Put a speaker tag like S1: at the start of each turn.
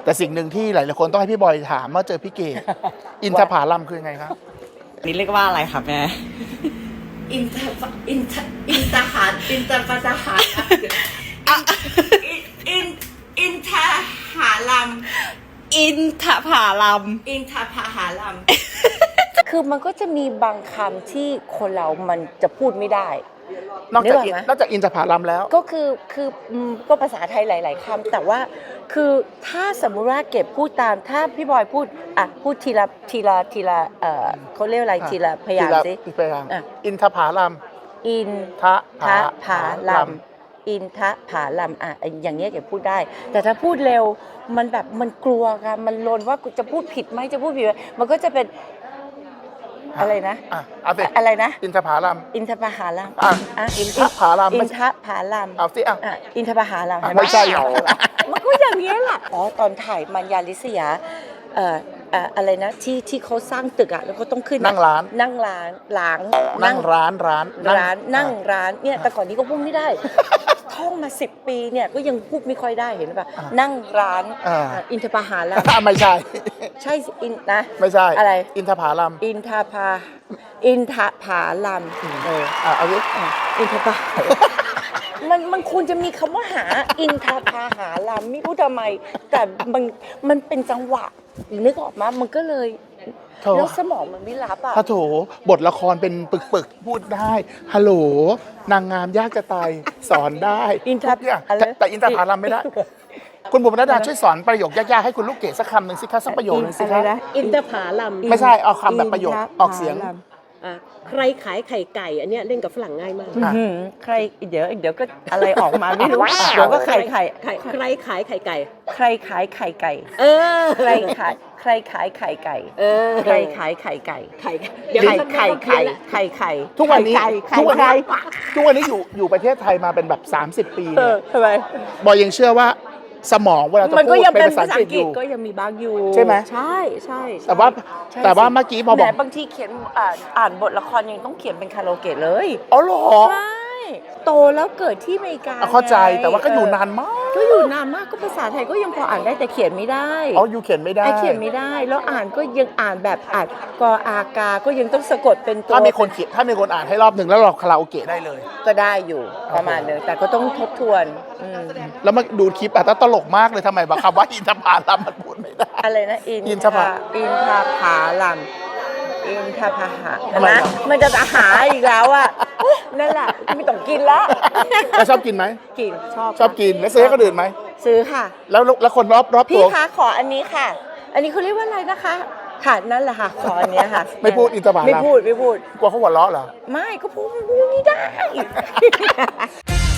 S1: แต่สิ่งหนึ่งที่หลายๆคนต้องให้พี่บอยถามเมื่อเจอพี่เกดอินทผลัมคือไงครับ
S2: นี่เรียกว่าอะไรครับแม่
S3: อินทหารอินทหารอินทหารอินทหารลัม
S2: อินทผลัม
S3: อินทผลัม
S4: คือมันก็จะมีบางคำที่คนเรามันจะพูดไม่ได้
S1: นอกจากอินทผลัมแล้ว
S4: ก็คือก็ภาษาไทยหลายๆคำแต่ว่าคือถ้าสมมุติว่าเก็บพูดตามถ้าพี่บอยพูดพูดทีละเขาเรียกอะไรทีละพยางค์สิ
S1: อินทผลัม
S4: อินทผลัมอินทผลัมอย่างเงี้ยเก็บพูดได้แต่ถ้าพูดเร็วมันแบบมันกลัวค่ะมันลนว่าจะพูดผิดไหมจะพูดผิดไหมมันก็จะเป็นอะไรนะอะไรนะ
S1: อินทผลัม
S4: อินทผลัม
S1: อินทผลัม
S4: อินทผลัม
S1: เอาสิ
S4: อินทผลัม
S1: ไม่ใช่
S4: มันก็อย่างนี้แหละตอนถ่ายมัญญาลิศยาอะไรนะที่เขาสร้างตึกแล้วก็ต้องขึ้น
S1: นั่งร้าน
S4: นั่งร้านเนี่ยแต่ก่อนนี้ก็พูดไม่ได้ท่องมา10 ปีเนี่ยก็ยังพูดไม่ค่อยได้เห็นป่ะนั่งร้านอินทผลัม
S1: ไม่ใช่
S4: ใช่นะ
S1: ไม่ใช่
S4: อะไร
S1: อินทผลัม
S4: อินทผลัม
S1: เอาดิ
S4: อินทผมันควรจะมีคำว่าหาอินทผลัมไม่รู้ทำไมแต่มันเป็นจังหวะนึกออกมามันก็เลยแล้วสมองมันไม่รับ
S1: โถบทละครเป็นปึกพูดได้ฮัลโหลนางงามยากจะตายสอนได้แต่อินทผลัมไม่ได้คุณบุ๋มณดาช่วยสอนประโยคยากๆให้คุณลูกเกดสักคำหนึ่งสิคะสักประโยคหนึ่งสิคะ
S3: อินทผลัม
S1: ไม่ใช่เอาคำแบบประโยคออกเสียง
S3: ใครขายไข่ไก่อันเนี้ยเล่นกับฝรั่งง่ายมาก
S4: ใครเดี๋ยวก็อะไรออกมาไม่รู้เดี๋ยวก็ไข่
S3: ใครขายไข่ไก่
S4: ใครขายไข่ไก่ใครขายไข่ไก่ใครขายไข่ไก่
S3: เดี๋ยว
S4: ไข่
S1: ทุกวันนี้อยู่ประเทศไทยมาเป็นแบบ30 ปีเนี่ย
S4: ทำไม
S1: บอยยังเชื่อว่าสมองเวลาจะพูดเป็นภาษาอังกฤษอยู่
S4: ก็ยังมีบางอยู่
S1: ใช่ไหม
S4: ใช่
S1: แต่ว่าเมื่อกี้พอบอก
S4: บางทีเขียนอ่านบทละครยังต้องเขียนเป็นคาราโอเกะเลย
S1: อ๋อเหรอ
S4: ใช่โตแล้วเกิดที่อเมริกา
S1: เข้าใจแต่ว่าก็อยู่นานมาก
S4: ก็ภาษาไทยก็ยังพออ่านได้แต่เขียนไม่ได้
S1: อยู่เขียนไม่ได้
S4: เขียนไม่ได้แล้วอ่านก็ยังอ่านแบบอ่านกอากาก็ยังต้องสะกดเป็นตัว
S1: ถ้ามีคนอ่านให้รอบหนึ่งแล้วเราคาราโอเกะได้เลย
S4: ก็ได้อยู่ประมาณนึงแต่ก็ต้องทบทวน
S1: แล้วมาดูคลิปแต่ตลกมากเลยทำไมบางคำว่าอินทผลัมมันพูดไม่ได้
S4: อะไรนะอินทผลัมอินทผลัมนะมันจะหาอีกแล้วนั่นแหละไม่ต้องกินละ
S1: แล้วชอบกินไหม
S4: กิน
S1: ชอบกินแล้วซื้อให้คนอื่นไหม
S4: ซื้อค่ะ
S1: แล้วคนรอบตัว
S4: พี่คะขออันนี้ค่ะอันนี้เขาเรียกว่าอะไรนะคะค่ะนั่นแหละค่ะขออันนี้ค่ะ
S1: ไม่พูดอินทผลัม
S4: ไม่พูด
S1: กลัวเขาหัวเราะเหรอ
S4: ไม่ก็พูดไม่ได้